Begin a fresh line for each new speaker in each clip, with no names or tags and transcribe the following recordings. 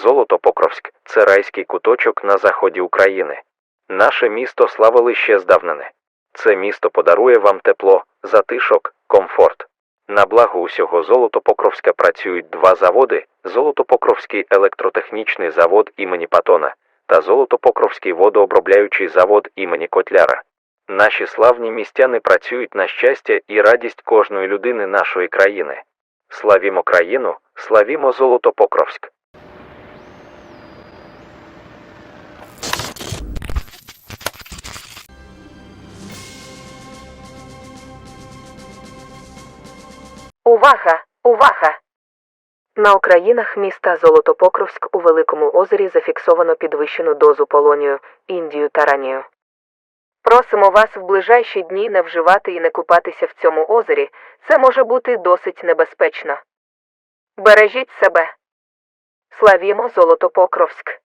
Золотопокровськ – це райський куточок на заході України. Наше місто славили ще здавнини. Це місто подарує вам тепло, затишок, комфорт. На благо усього Золотопокровська працюють два заводи – Золотопокровський електротехнічний завод імені Патона та Золотопокровський водообробляючий завод імені Котляра. Наші славні містяни працюють на щастя і радість кожної людини нашої країни. Славімо країну, славімо Золотопокровськ!
Увага! Увага! На окраїнах міста Золотопокровськ у Великому озері зафіксовано підвищену дозу полонію, індію та ранію. Просимо вас в ближайші дні не вживати і не купатися в цьому озері, це може бути досить небезпечно. Бережіть себе! Славімо Золотопокровськ!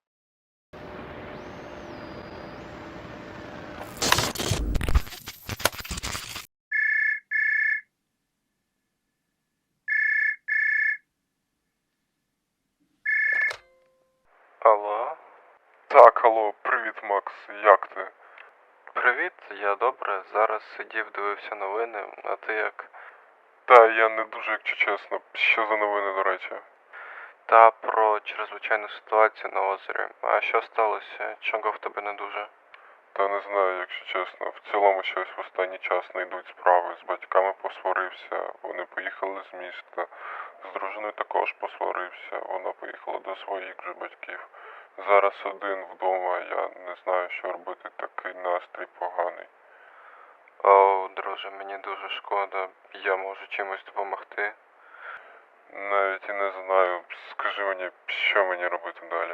Алло? Так, алло, привіт, Макс, як ти?
Привіт, я добре. Зараз сидів, дивився новини, а ти як?
Та я не дуже, якщо чесно. Що за новини, до речі?
Та про чрезвичайну ситуацію на озері. А що сталося? Чого в тебе не дуже?
Та не знаю, якщо чесно. В цілому щось в останній час не йдуть справи. З батьками посварився, вони поїхали з міста. З дружиною також посварився, вона поїхала до своїх же батьків. Зараз один вдома, я не знаю, що робити, такий настрій поганий.
О, друже, мені дуже шкода. Я можу чимось допомогти.
Навіть і не знаю, скажи мені, що мені робити далі?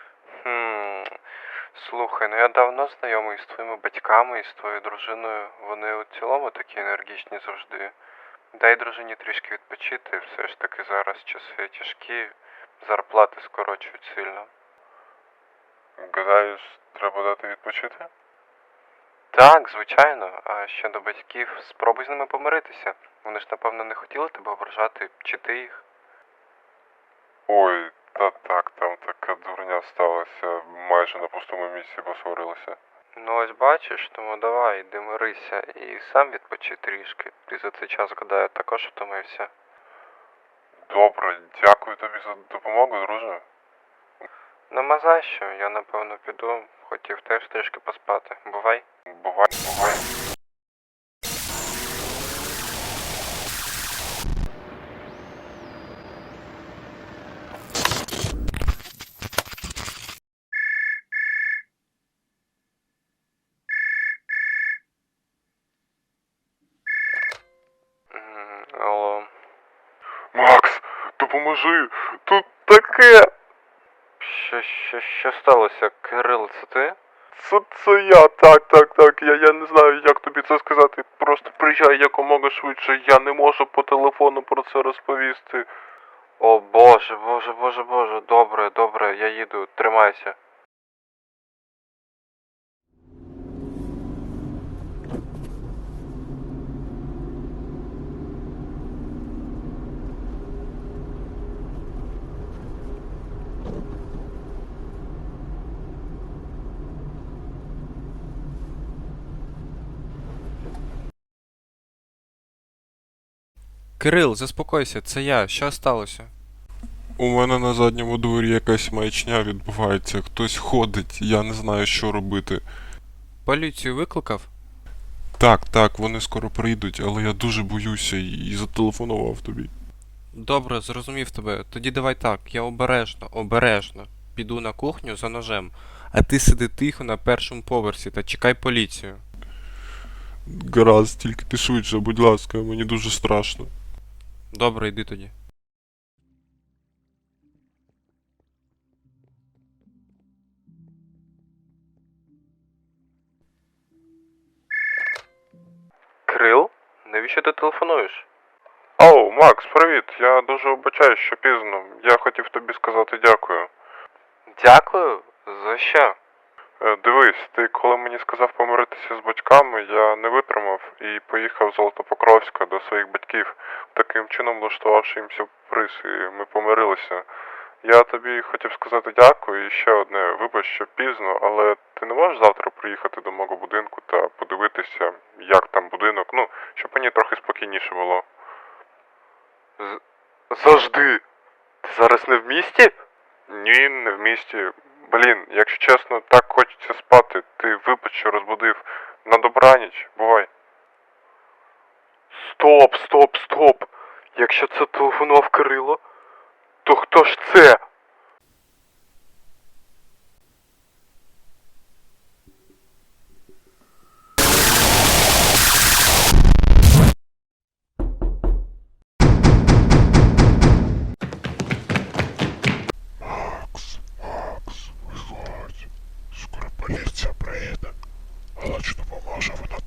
Слухай, я давно знайомий з твоїми батьками і з твоєю дружиною. Вони у цілому такі енергічні завжди. Дай дружині трішки відпочити, все ж таки зараз часи тяжкі, зарплати скорочують сильно.
Гадаєш, треба дати відпочити?
Так, звичайно. А щодо батьків, спробуй з ними помиритися. Вони ж, напевно, не хотіли тебе ображати, чи ти їх?
Ой, та так, там така дурня сталася, майже на пустому місці посварилися.
Ну ось бачиш, тому давай, йди мирися і сам відпочи трішки. Ти за цей час, гадаю, також втомився.
Добре, дякую тобі за допомогу, друже.
Нема за що, я напевно піду, хотів теж трішки поспати. Бувай.
Бувай, бувай.
Алло.
Макс, допоможи! Тут таке!
Що сталося? Кирил, це ти?
Це я, так. Я не знаю, як тобі це сказати. Просто приїжджай якомога швидше, я не можу по телефону про це розповісти.
О боже, добре, я їду, тримайся.
Кирил, заспокойся, це я. Що сталося?
У мене на задньому дворі якась маячня відбувається, хтось ходить, я не знаю, що робити.
Поліцію викликав?
Так, вони скоро прийдуть, але я дуже боюся і зателефонував тобі.
Добре, зрозумів тебе. Тоді давай так, я обережно піду на кухню за ножем, а ти сиди тихо на першому поверсі та чекай поліцію.
Гаразд, тільки ти швидше, будь ласка, мені дуже страшно.
Добре, йди тоді.
Кирил? Навіщо ти телефонуєш?
Оу, Макс, привіт. Я дуже вибачаю, що пізно. Я хотів тобі сказати дякую.
Дякую? За що?
Дивись, ти коли мені сказав помиритися з батьками, я не витримав і поїхав з Золотопокровська до своїх батьків, таким чином влаштувавши їм сюрприз, і ми помирилися. Я тобі хотів сказати дякую і ще одне, вибач, що пізно, але ти не можеш завтра приїхати до мого будинку та подивитися, як там будинок, ну, щоб мені трохи спокійніше було. Завжди. Ти зараз не в місті? Ні, не в місті. Блін, якщо чесно, так хочеться спати. Ти вибач, що розбудив. На добраніч, бувай. Стоп. Якщо це телефонував Кирило, то хто ж це?
Виходь. Скоро поліція приїде. Але чи допоможе вона